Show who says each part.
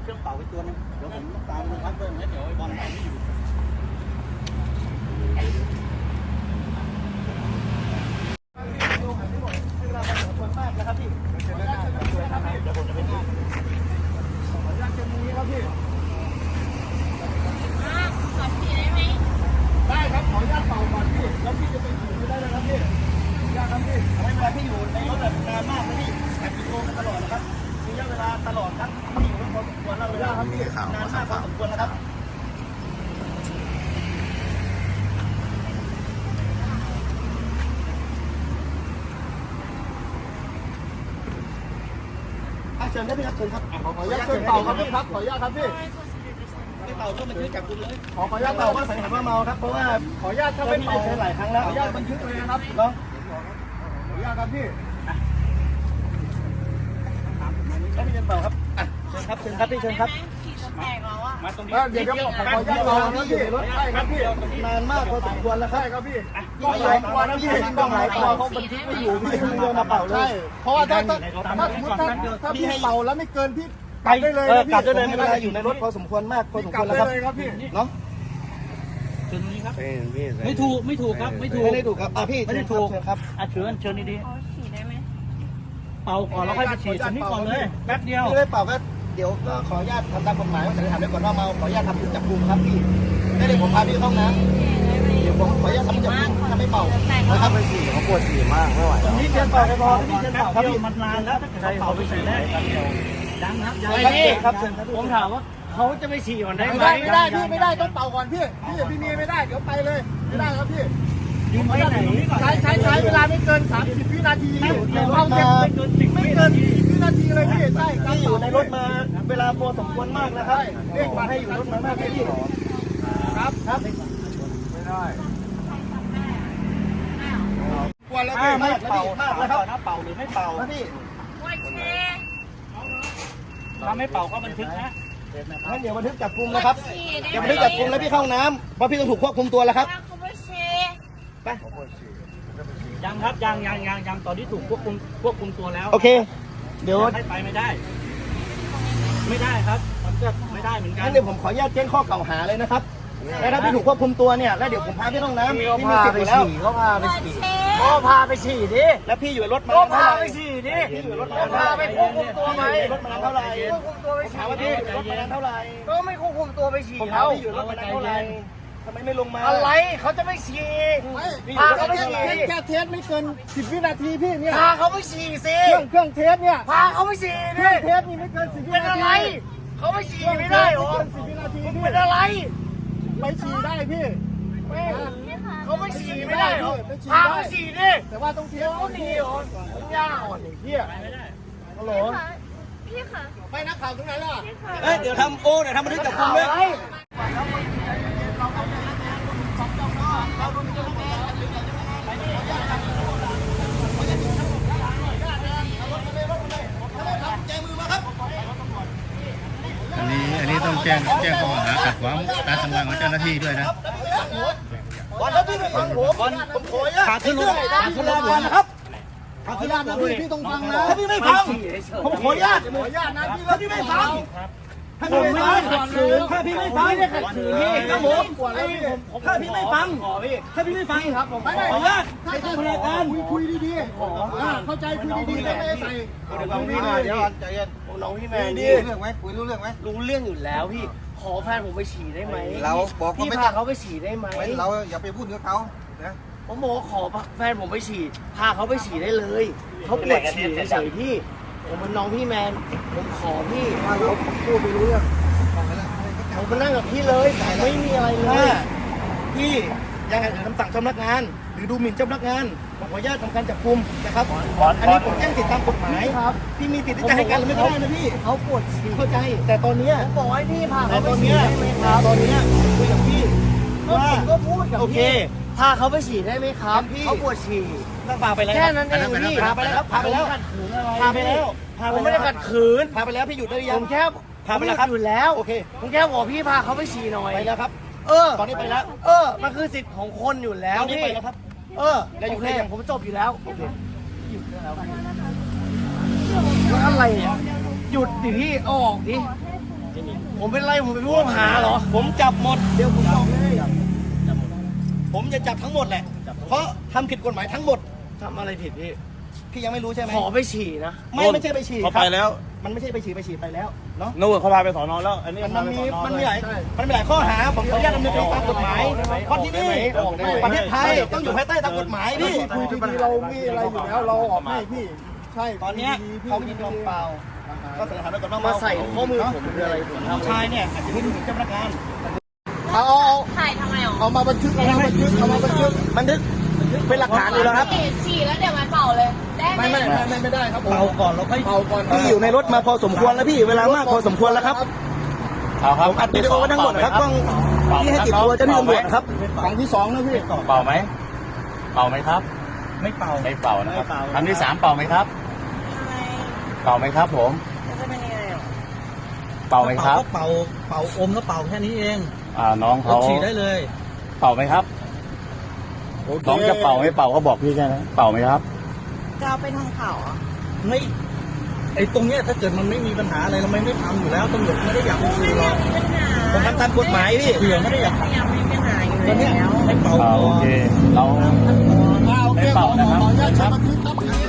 Speaker 1: รื่องเป่าไปตัวนึงเดี๋ยวผมต้องตามดูครับเพิ่มแล้วเดี๋ยวบอลไม่อยู่นะครับพี่เดี๋ยวผมจะไปดูขออนุญาตเชิญนี้ครับพี่
Speaker 2: ขอฉีดได้ไหม
Speaker 1: ได้ครับขออนุญาตเป่าก่อนพี่แล้วพี่จะไปฉีดไม่ได้เลยครับพี่ยากครับพี่ไม่เป็นไรพี่อยู่ในรถแบบนานมากนะพี่แอบโทรกันตลอดนะครับมีระยะเวลาตลอดครับพี่อยู่พอสมควรแล้วเวลาครับพี่นานมากพอสมควรนะครับเชิญได้พี่ครับเชิญครับขออนุญาตเชิญเป่าครับพี่ครับขออนุญาตครับพี่ไม่เป่าก็บันทึกจับกุมเลยขออนุญาตเป่าก็สันนิษฐานว่าเมาครับเพราะว่าขออนุญาตถ้าไม่เป่าหลายครั้งแล้วขออนุญาตบันทึกเลยนะครับเนาะขออนุญาตครับพี่แล้วพี่เชิญเป่าครับเชิญครับเชิญครับพี่เชิญครับมาตรงนี้เดี๋ยวขออนุญาตเป่าครับพี่รถใช่ครับพี่นานมากพอสมควรแล้วครับใช่ครับพี่ต้องหลายตัวนะพี่ต้องหลายตัวเขาบันทึกไม่อยู่พี่เดินมาเป่าเลยเพราะว่าถ้าสมมติถ้าพี่เป่าแล้วไม่เกินพี่กลับได้เลยกลับได้เลยไม่เป็นไรอยู่ในรถพอสมควรมากพอสมควรแล้วครับพี่เนาะเชิญนี้ครับไม่ถูกครับไม่ได้ถูกครับพี่ไม่ได้ถูกครับเชิญดี
Speaker 2: ๆฉีดได้ไหม
Speaker 1: เป่าก่อนแล้วค่อยไปฉีดอันนี้ก่อนเลยแป๊บเดียวไม่ได้เป่าก็เดี๋ยวก็ขออนุญาตทำตามกฎหมายว่าสันนิษฐานไว้ก่อนว่าเมาขออนุญาตทำจับกุมครับพี่ไม่ได้ผมพาพี่เข้าห้องน้ำเดี๋ยวผมขออนุญาตทำจับกุมถ้าไม่เป่านะครับไปฉีดเขาปวดฉี่มากไม่ไหวแล้วนี่เชิญเป่าไปพอนี่เชิญเป่าครับมันนานแล้วถ้าเกิดเป่าไปฉีดได้ยังครับครับผมถามว่าเขาจะไปฉี่ก่อนได้ไหมไม่ได้พี่ไม่ได้ต้องเป่าก่อนพี่มีไม่ได้เดี๋ยวไปเลยไม่ได้ครับพี่อยู่ไม่ไหนใช้เวลาไม่เกิน30 วินาทีอยู่ห้องเก็บไม่เกิน10 วินาทีเลยพี่ใช่พี่อยู่ในรถมาเวลาพอสมควรมากนะครับเรียกมาให้อยู่รถมามากพี่ครับไม่ได้กวนแล้วพี่ไม่เป่ามากแล้วครับเป่าหรือไม่เป่าพี่ถ้าไม่เป่าก็บันทึกนะงั้นเดี๋ยวบันทึกจับกุมนะครับเดี๋ยวบันทึกจับกุมแล้วพี่เข้าน้ำเพราะพี่ต้องถูกควบคุมตัวแล้วครับไปยังครับยังตอนที่ถูกควบคุมตัวแล้วโอเคเดี๋ยวไปไม่ได้ครับมันก็ไม่ได้เหมือนกันงั้นเดี๋ยวผมขออนุญาตแจ้งข้อกล่าวหาเลยนะครับแล้วถ้าพี่ถูกควบคุมตัวเนี่ยแล้วเดี๋ยวผมพาพี่ต้องน้ำพี่มีสิทธิ์อยู่แล้วก็พาไปฉี่ดิแล้วพี่อยู่รถมาก็พาไปฉี่ดิพี่อยู่รถมาพาไปควบคุมตัวไหมรถมาเท่าไหร่ควบคุมตัวไปฉี่ถามว่าพี่อยู่รถมาเท่าไหร่ก็ไม่ควบคุมตัวไปฉี่ผมถามพี่อยู่รถมาเท่าไหร่ทำไมไม่ลงมาอะไรเขาจะไม่ฉี่พาเขาไปฉี่แค่เทสไม่เกิน10 วินาทีพี่เนี่ยพาเขาไปฉี่สิเครื่องเทสเนี่ยพาเขาไปฉี่ดิเทสนี่ไม่เกิน10 วินาทีเป็นอะไรเขาไปฉี่ไม่ได้หรอ10 วินาทีเป็นอะไรไปฉี่ได้พี่เขาไม่ฉี่ไม่ได้หรอพาเขาฉี่ดิแต่ว่าต้องเทสเขาดีหรอยากอ่อนไอ้เหี้ยฮัลโหล
Speaker 2: พี่ค่ะ
Speaker 1: ไปนักข่าวตรงไหนล่ะเดี๋ยวทำบันทึกจับกุมเลย
Speaker 3: อันนี้ต้องแจ้งข้อหาขัดขวางการทำงานของเจ้าหน้าที่ด้วยนะ
Speaker 1: วันแล้วพี่ไม่ฟังผมขอขาดขึ้นรถนะครับขาดขึ้นรถนะพี่ต้องฟังนะถ้าพี่ไม่ฟังผมขออนุญาตนะพี่ถ้าพี่ไม่ฟังถ้าพี่ไม่ฟังถ้าพี่ไม่ฟังเนี่ยขัดขืนพี่ครับผมถ้าพี่ไม่ฟังครับผมขออนุญาตให้ท่านพนักงานคุยดีๆเข้าใจคุยดีๆไม่ใส่น้องพี่เดี๋ยวใจเย็นน้องพี่แมนดีรู้เรื่องไหมคุยรู้เรื่องไหม
Speaker 4: รู้เรื่องอยู่แล้วพี่ขอแฟนผมไปฉี่ได้ไหม
Speaker 3: เราบอก
Speaker 4: พี่พาเขาไปฉี่ได้ไหม
Speaker 3: เราอย่าไปพูดกับเขานะ
Speaker 4: ผมบอกขอแฟนผมไปฉี่พาเขาไปฉี่ได้เลยเขาปวดฉี่เฉยๆพี่ผมเป็นน้องพี่แมนผมขอพี่
Speaker 3: เขาพูดไปรู้เรื่อง
Speaker 4: ผมมานั่งกับพี่เลยไม่มีอะไรเลย
Speaker 1: พี่ยังไงคำสั่งเจ้าพนักงานหรือดูหมิ่นเจ้าพนักงานขออนุญาตทำการจับกุมนะครับอันนี้ผมแจ้งสิทธิตามกฎหมายครับพี่มีสิทธิ์ที่จะให้การหรือไม่ได้นะพี่
Speaker 4: เขาปวดฉี่
Speaker 1: เข้าใจแต่ตอนนี้
Speaker 4: ผมบอกให้พี่พาเขาไป
Speaker 1: ฉี่ได้ไหมครับตอนนี้คุยกับพี่
Speaker 4: ว่าก็พูดกับพี่พาเขาไปฉี่ได้ไหมครับเขาปวดฉี่
Speaker 1: พาไปแล้ว
Speaker 4: แค่นั้นเองพี่
Speaker 1: พาไปแล้ว
Speaker 4: ผมไม่ได้ขัดขืน
Speaker 1: พาไปแล้วพี่หยุดได้ยัง
Speaker 4: ผมแค่
Speaker 1: พาไปแล้วครับ
Speaker 4: อยู่แล้ว
Speaker 1: โอเค
Speaker 4: ผมแค่บอกพี่พาเขาไปฉี่หน่อย
Speaker 1: ไปแล้วครับตอนนี้ไปแล้ว
Speaker 4: มันคือสิทธิ์ของคนอยู่แล้วพี่
Speaker 1: ไปแล้วครับ
Speaker 4: แล้วอยู่แค่ผมจบอยู่แล้วโอเคหยุดแล้วอะไรเนี่ยหยุดดิพี่ออกดิผมเป็นไรผมเป็นผู้ต้องหาเหรอ
Speaker 1: ผมจับหมดเดี๋ยวผมบอกเลยผมจะจับทั้งหมดแหละเพราะทำผิดกฎหมายทั้งหมด
Speaker 4: ทำอะไรผิดพี่
Speaker 1: พี่ยังไม่รู้ใช่ไหม
Speaker 4: ขอไปฉี่นะ
Speaker 1: ไม่ใช่ไปฉี่
Speaker 5: เขาไปแล้ว
Speaker 1: มันไม่ใช่ไปฉี่ไปแล้วเนาะ
Speaker 5: นู่นเขาพาไปสอนอแล้ว อันนี้
Speaker 1: มันมีหลายข้อหาผมขออนุญาตดำเนินคดีตามกฎหมายเพราะที่นี่ประเทศไทยต้องอยู่ภายใต้ตามกฎหมายพี่
Speaker 6: คุยดีๆเรามีอะไรอยู่แล้วเราออกให้พี่ใช่
Speaker 1: ตอนเนี้ยเขายินยอมเปล่าก็สันนิษฐานไว้ก่อนว่า
Speaker 4: มาใส่ข้อมือผมคืออะไรผมทำ
Speaker 1: ชายเนี่ยอาจจะไม่ถึงเจ้าพนักงาน
Speaker 6: เอา
Speaker 2: ถ่ายทำไมอ่ะ
Speaker 6: เอามาบันทึกเอามาบันทึก
Speaker 1: บันทึกเป็นหลักฐานอยู่แล้วครับ
Speaker 2: ฉี่แล้วเดี๋ยวมาเป่าเลย ได้ไหม
Speaker 6: ไม่ได้ครับผม
Speaker 1: เป่าก่อนแล้วค่อย
Speaker 6: เป่าก่อน
Speaker 1: พี่อยู่ในรถมาพอสมควรแล้วพี่เวลามากพอสมควรแล้วครับ
Speaker 5: เอาครับ
Speaker 1: ผมอัดวิดีโอไว้ทั้งหมดนะครับต้องที่ให้ติดตัวเจ้าหน้าที่ตำรวจนะครับ
Speaker 6: ครั้งที่สองนะพี่
Speaker 5: เป่าไหมเป่าไหมครับ
Speaker 1: ไม่เป่า
Speaker 5: ไม่เป่านะครับ
Speaker 1: ไม่เป่า
Speaker 5: ครั้งที่ 3เป่าไหมครับ เป่าไหมครับผม
Speaker 2: จะเป็นยังไงอ่ะ
Speaker 5: เป่าไหมครับ
Speaker 7: เป่าอมแล้วเป่าแค่นี้เอง
Speaker 5: น้องเขา
Speaker 7: ฉีดได้เลย
Speaker 5: เป่าไหมครับน้องจะเป่าไม่เป่าเขาบอกพี่แค่นั้นเป่าไหมครับ
Speaker 2: จะเอาไปทางเขาอ่ะ
Speaker 7: ไม่ไอ้ตรงเนี้ยถ้าเกิดมันไม่มีปัญหาอะไรเราไม่ทำอยู่แล้วตำรวจไม่ได้อยากมาคุยหรอก
Speaker 2: มีปัญหา
Speaker 1: ผมทำตามกฎหมายพี่
Speaker 7: เผื่อไม่ได้อยาก
Speaker 2: ยังมีปัญหาอยู่
Speaker 7: ตอนเนี้ย
Speaker 2: แล้ว
Speaker 7: ให้เป่า
Speaker 5: โอเค เราไม่เป่านะครับ
Speaker 6: ขออนุญาตใช้บันทึกครับ